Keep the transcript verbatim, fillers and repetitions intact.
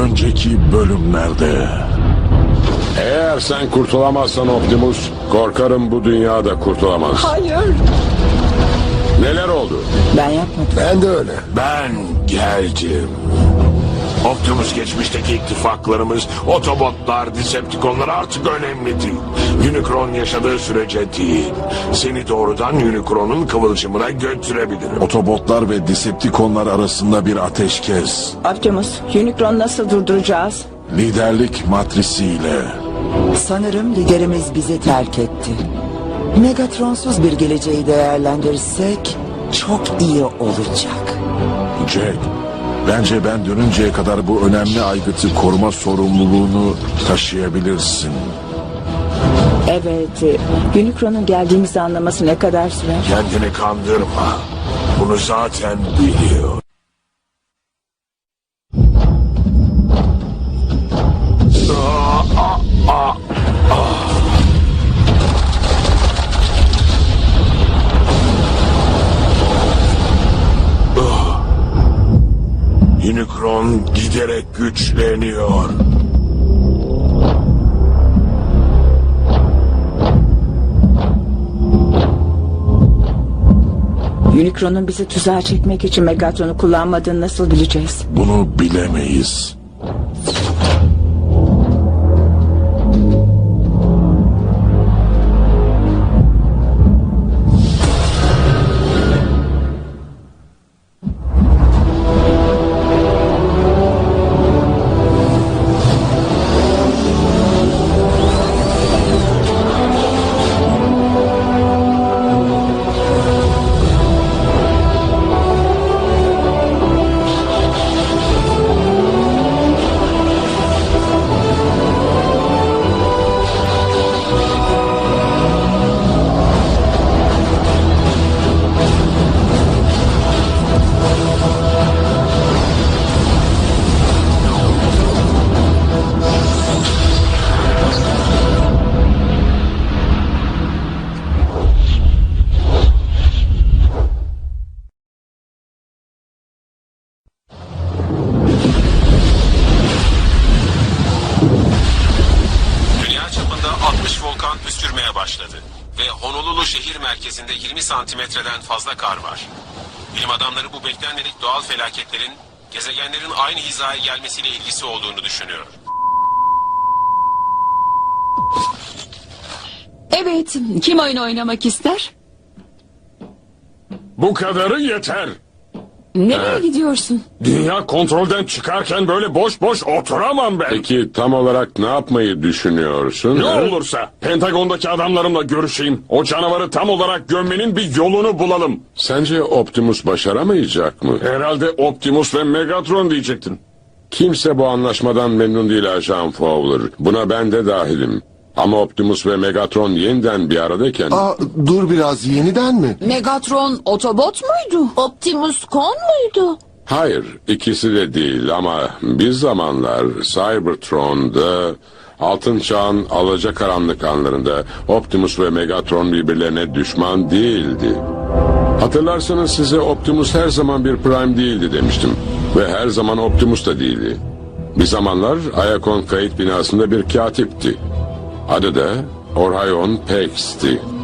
önceki bölümlerde. Eğer sen kurtulamazsan Optimus, korkarım bu dünyada kurtulamaz. Hayır. Neler oldu? Ben yapmadım. Ben de öyle. Ben geldim. Optimus geçmişteki ittifaklarımız, Autobotlar, Decepticonlar artık önemli değil. Unicron yaşadığı sürece değil. Seni doğrudan Unicron'un kıvılcımına götürebilirim. Otobotlar ve Decepticonlar arasında bir ateşkes. Optimus, Unicron'u nasıl durduracağız? Liderlik matrisiyle. Sanırım liderimiz bizi terk etti. Megatronsuz bir geleceği değerlendirirsek çok iyi olacak. Jack, bence ben dönünceye kadar bu önemli aygıtı koruma sorumluluğunu taşıyabilirsin. Evet, e, Unicron'un geldiğimizi anlaması ne kadar sürer? Kendini kandırma. Bunu zaten biliyor. Unicron giderek güçleniyor. Unicron'un bizi tuzağa çekmek için Megatron'u kullanmadığını nasıl bileceğiz? Bunu bilemeyiz. Dünya çapında altmış volkan püskürmeye başladı ve Honolulu şehir merkezinde yirmi santimetreden fazla kar var. Bilim adamları bu beklenmedik doğal felaketlerin gezegenlerin aynı hizaya gelmesiyle ilgisi olduğunu düşünüyor. Evet, kim oyun oynamak ister? Bu kadarı yeter. Nereye gidiyorsun? Dünya kontrolden çıkarken böyle boş boş oturamam ben. Peki tam olarak ne yapmayı düşünüyorsun? Ne olursa Pentagon'daki adamlarımla görüşeyim. O canavarı tam olarak gömmenin bir yolunu bulalım. Sence Optimus başaramayacak mı? Herhalde Optimus ve Megatron diyecektin. Kimse bu anlaşmadan memnun değil Ajan Fowler. Buna ben de dahilim. Ama Optimus ve Megatron yeniden bir aradayken... Aa, dur biraz, yeniden mi? Megatron Autobot muydu? Optimus Con muydu? Hayır, ikisi de değil ama bir zamanlar Cybertron'da, Altın Çağ'ın alacakaranlık anlarında Optimus ve Megatron birbirlerine düşman değildi. Hatırlarsanız size Optimus her zaman bir Prime değildi demiştim. Ve her zaman Optimus da değildi. Bir zamanlar Iacon kayıt binasında bir katipti. Adı da Orion Pax'ti.